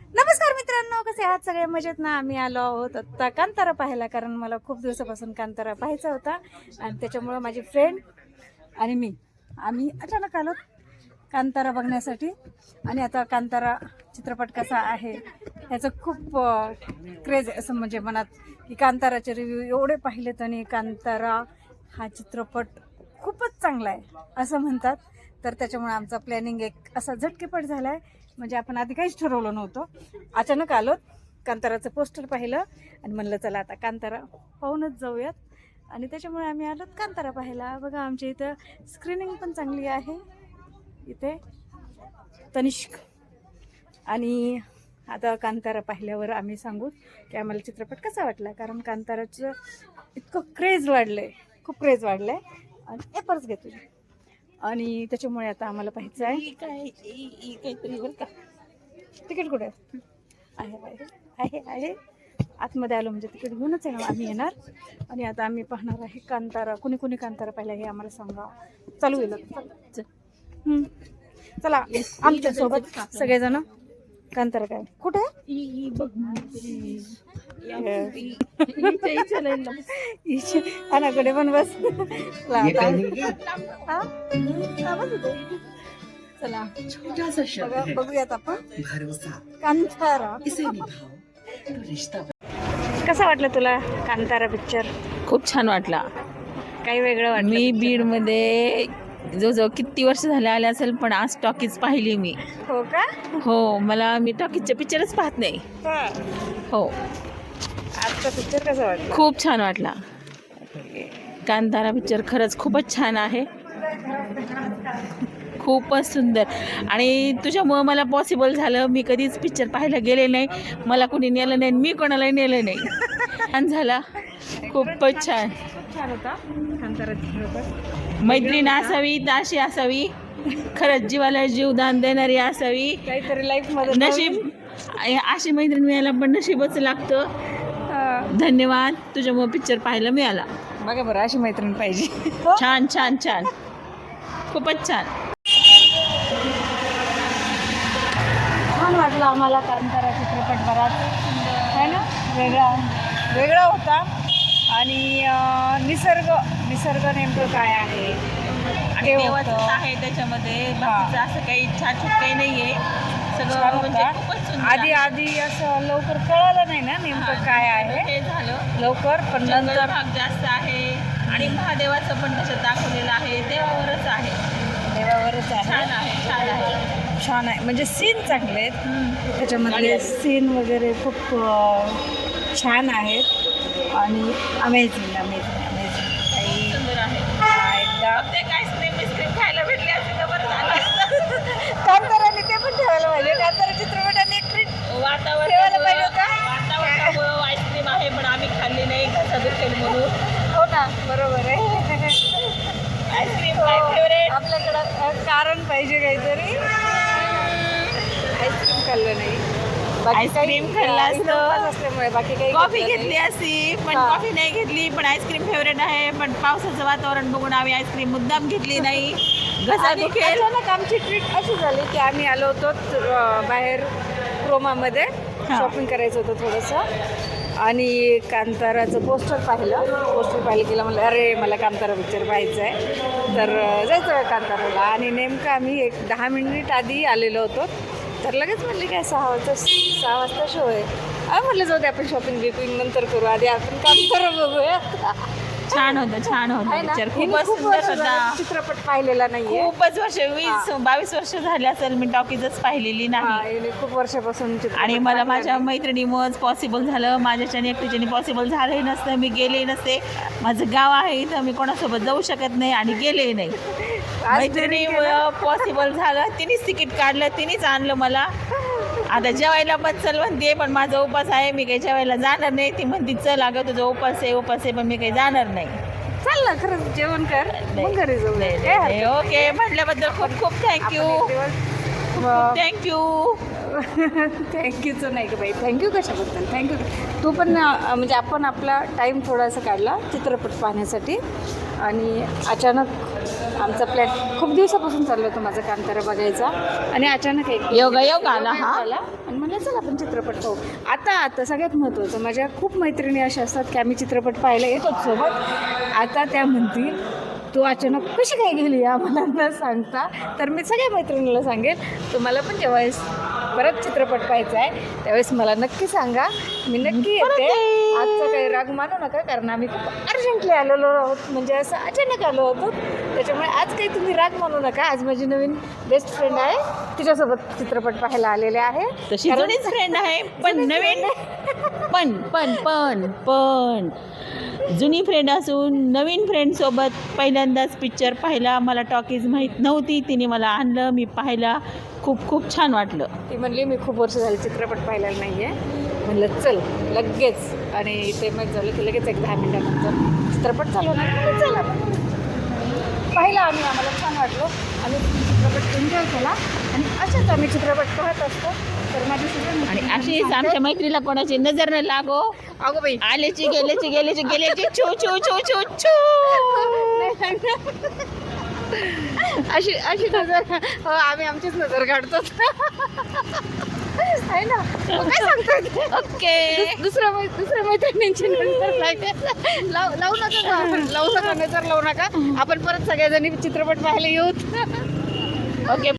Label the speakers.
Speaker 1: नमस्कार मित्रांनो, कसे आहात सगळे? मजेत ना? आम्ही आलो आहोत आता कांतारा पाहायला, कारण मला खूप दिवसापासून कांतारा पाहायचा होता आणि त्याच्यामुळं माझी फ्रेंड आणि आम्ही अचानक आलो कांतारा बघण्यासाठी. आणि आता कांतारा चित्रपट कसा आहे ह्याचं खूप क्रेज असं म्हणजे मनात, की कांताराचे रिव्ह्यू एवढे पाहिलेत आणि कांतारा हा चित्रपट खूपच चांगला आहे असं म्हणतात. तर त्याच्यामुळे आमचा प्लॅनिंग एक असा झटकेपट झाला आहे. म्हणजे आपण आधी काहीच ठरवलं नव्हतं, अचानक आलो, कांताराचं पोस्टर पाहिलं आणि म्हणलं चला आता कांतारा पाहूनच जाऊयात. आणि त्याच्यामुळे आम्ही आलो कांतारा पाहायला. बघा आमच्या इथं स्क्रीनिंग पण चांगली आहे, इथे तनिष्क. आणि आता कांतारा पाहिल्यावर आम्ही सांगू की आम्हाला चित्रपट कसा वाटला, कारण कांताराचं इतकं क्रेज वाढलं आहे, खूप क्रेज वाढलं आहे. आणि एपर्स घेतो आणि त्याच्यामुळे आता आम्हाला पाहायचं आहे काहीतरी. बरं का, तिकीट कुठे आहे? आहे आहे आतमध्ये आलो म्हणजे तिकीट घेऊनच आहे ना आम्ही येणार. आणि आता आम्ही पाहणार आहे कांतारा. कुणी कुणी कांतारा पाहिला हे आम्हाला सांगा. चालू येईल चला आमच्यासोबत सगळेजण. कांतारा काय कुठे कडे पण बस. चला बघूयात आपण कांतारा. कसा वाटलं तुला कांतारा पिक्चर?
Speaker 2: खूप छान वाटला.
Speaker 1: काही वेगळं वाटलं?
Speaker 2: मी बीडमध्ये जवळजवळ किती वर्ष झाले आले असेल, पण आज टॉकीज पाहिली मी.
Speaker 1: हो का?
Speaker 2: हो, मी टॉकीजचे पिक्चरच पाहत नाही. हो,
Speaker 1: आजचा पिक्चर कसा वाटला?
Speaker 2: खूप छान वाटला. कांतारा पिक्चर खरंच खूपच छान आहे, खूपच सुंदर. आणि तुझ्यामुळं मला पॉसिबल झालं. मी कधीच पिक्चर पाहायला गेले नाही, मला कोणी नेलं नाही, मी कोणालाही नेलं नाही. छान झाला, खूपच छान.
Speaker 1: खूप छान होता कांतारा चित्रपट.
Speaker 2: मैत्रीण असावी तर अशी असावी, खरंच जीवाला जीवदान देणारी असावी.
Speaker 1: काहीतरी लाईफ मध्ये
Speaker 2: नशीब अशी मैत्रीण मिळायला पण नशीबच लागतं. धन्यवाद, तुझ्यामुळे पिक्चर पाहायला मिळाला.
Speaker 1: बघा बरं, अशी मैत्रीण पाहिजे.
Speaker 2: छान छान छान, खूपच छान.
Speaker 1: छान वाटलं आम्हाला कांतारा चित्रपट. बराच आहे ना, वेगळा होता. आणि निसर्ग नेमकं काय आहे ते
Speaker 2: देवाचं
Speaker 1: होतं.
Speaker 2: आहे त्याच्यामध्ये, बाकीचं असं काही छाछूट काही नाहीये.
Speaker 1: छान
Speaker 2: सगळं म्हणजे
Speaker 1: होता.
Speaker 2: खूपच सुंदर
Speaker 1: आधी
Speaker 2: आहे.
Speaker 1: आधी असं लवकर कळालं नाही ना नेमकं काय आहे
Speaker 2: हे झालं
Speaker 1: लवकर, पण
Speaker 2: जंगल
Speaker 1: नंतर
Speaker 2: भाग जास्त आहे आणि महादेवाचं पण त्याच्यात दाखवलेलं आहे. देवावरच आहे.
Speaker 1: देवावरच आहे.
Speaker 2: छान आहे, छान आहे.
Speaker 1: छान आहे. म्हणजे सीन चांगले आहेत त्याच्यामधले, सीन वगैरे खूप छान आहेत. आणि अमेझिंग अमेझिंग अमेझिंग. काही
Speaker 2: सुंदर आहे.
Speaker 1: एकदा
Speaker 2: ते काहीच नाही, बिस्किट खायला भेटले असेल तर बरं झालं असतं.
Speaker 1: कांताराने ते पण ठेवायला पाहिजे. कांतारा चित्रपटाने एक ट्रीट ठेवायला पाहिजे होता.
Speaker 2: वातावरणामुळं आईस्क्रीम आहे, पण आम्ही खाल्ली नाही, घसा दुखेल म्हणून.
Speaker 1: हो ना, बरोबर आहे.
Speaker 2: आईस्क्रीम काय फेवरेट?
Speaker 1: आपल्याकडं कारण पाहिजे काहीतरी. आईस्क्रीम खाल्लं नाही, बाकी
Speaker 2: आईस्क्रीम
Speaker 1: काही-
Speaker 2: खाल्लं
Speaker 1: आणि
Speaker 2: असतं.
Speaker 1: उपवास असल्यामुळे बाकी काही
Speaker 2: कॉफी
Speaker 1: घेतलं
Speaker 2: घेतली
Speaker 1: नाही.
Speaker 2: असती, पण
Speaker 1: हा.
Speaker 2: कॉफी नाही घेतली. पण आईस्क्रीम फेवरेट आहे, पण पावसाचं वातावरण बघून आम्ही आईस्क्रीम मुद्दाम घेतली नाही. घसा
Speaker 1: आणि
Speaker 2: दुखेल.
Speaker 1: अचानक आमची ट्रीट अशी झाली की आम्ही आलो होतो बाहेर क्रोमामध्ये शॉपिंग करायचं होतं थोडंसं. आणि कांताराचं पोस्टर पाहिलं की म्हणलं अरे मला कांतारा पिक्चर पाहायचं आहे, तर जायचं आहे कांताराला. आणि नेमकं आम्ही एक 10 मिनिट आधी आलेलो होतो, तर लगेच म्हणले काय 6 वाजता शो आहे. म्हटलं जाऊ दे, आपण शॉपिंग नंतर करू, आधी आपण कांतारा बघूया.
Speaker 2: छान होतं, छान होतं
Speaker 1: आहे ना?
Speaker 2: पिक्चर.
Speaker 1: हिने
Speaker 2: खूपच
Speaker 1: खूप
Speaker 2: सुंदर
Speaker 1: वर्ष झालं
Speaker 2: होता.
Speaker 1: चित्रपट पाहिलेला नाहीये.
Speaker 2: खूपच वर्ष, 20-22 वर्ष झाले असेल मी टॉकीजच पाहिलेली नाही.
Speaker 1: हिने खूप वर्षापासून चित्रपट
Speaker 2: आणि मला
Speaker 1: पाहिला
Speaker 2: माझ्या
Speaker 1: नाही.
Speaker 2: मैत्रिणीमुळेच पॉसिबल झालं. माझ्याच्याने एकटीच्याने पॉसिबल झालंही नसतं, मी गेले नसते. माझं गाव आहे इथं, मी कोणासोबत जाऊ शकत नाही आणि गेले नाही.
Speaker 1: आज
Speaker 2: मैत्रिणीमुळं पॉसिबल झालं. तिनेच तिकीट काढलं, तिनेच आणलं मला. आता जेवायला पण चल म्हणते, पण माझा उपास आहे, मी काही जेवायला जाणार नाही. ती म्हणते चल अगं तुझा उपास आहे, पण मी काही जाणार नाही.
Speaker 1: चल ना, खरंच जेवण कर, मग घरी जाऊ.
Speaker 2: नाही, ओके म्हटल्याबद्दल खूप खूप थँक्यू.
Speaker 1: थँक्यूचं नाही का बाई, थँक्यू कशाबद्दल? थँक्यू. तू पण म्हणजे आपण आपला टाईम थोडासा काढला चित्रपट पाहण्यासाठी. आणि अचानक आमचा प्लॅन खूप दिवसापासून चाललो होतं माझा कांतारा बघायचा आणि अचानक एक
Speaker 2: योग आला हा.
Speaker 1: आणि म्हणलं चला आपण चित्रपट पाहू. आता सगळ्यात महत्त्वाचं, माझ्या खूप मैत्रिणी अशा असतात की आम्ही चित्रपट पाहायला येतोच सोबत. आता त्या म्हणतील तू अचानक कशी काय गेली आम्हाला न सांगता. तर मी सगळ्या मैत्रिणीला सांगेल तुम्हाला पण जेव्हा परत चित्रपट पाहायचा आहे त्यावेळेस मला नक्की सांगा, मी नक्की येते. आजचा काही राग मानू नका, कारण आम्ही खूप अर्जंटली आलेलो आहोत, म्हणजे असं अचानक आलो होतो. त्याच्यामुळे आज काही तुम्ही राग मानू नका. आज माझी नवीन बेस्ट फ्रेंड आहे, तिच्यासोबत चित्रपट पाहायला आलेले आहे.
Speaker 2: तशी जुनीच फ्रेंड आहे पण नवीन पण जुनी फ्रेंड असून नवीन फ्रेंडसोबत पहिल्यांदाच पिक्चर पाहिला. मला टॉकीज माहीत नव्हती, तिने मला आणलं, मी पाहिला, खूप छान वाटलं.
Speaker 1: ती म्हणली मी खूप वर्ष झाली चित्रपट पाहिलेला नाही आहे. म्हणलं चल लगेच, आणि ते मग झालं की लगेच एक 10 मिनिटानंतर चित्रपट चालू नाही चला पाहिला आम्ही. आम्हाला छान वाटलो, आम्ही चित्रपट एन्जॉय केला आणि अशाच आम्ही चित्रपट पाहत असतो. तर माझी
Speaker 2: आणि अशीच आमच्या मैत्रीला कोणाची नजर न लागो.
Speaker 1: अगो बाई
Speaker 2: आलेची गेलेची छो छो छो छो छो.
Speaker 1: अशी नजर हो, आम्ही आमचीच नजर काढतो आहे ना. काय सांगतोय
Speaker 2: ओके.
Speaker 1: दुसऱ्या मैत्रिणींची नजर लावू नका आपण, लावू नका नजर लावू नका. आपण परत सगळ्याजणी चित्रपट पाहायला येऊ.
Speaker 2: ओके.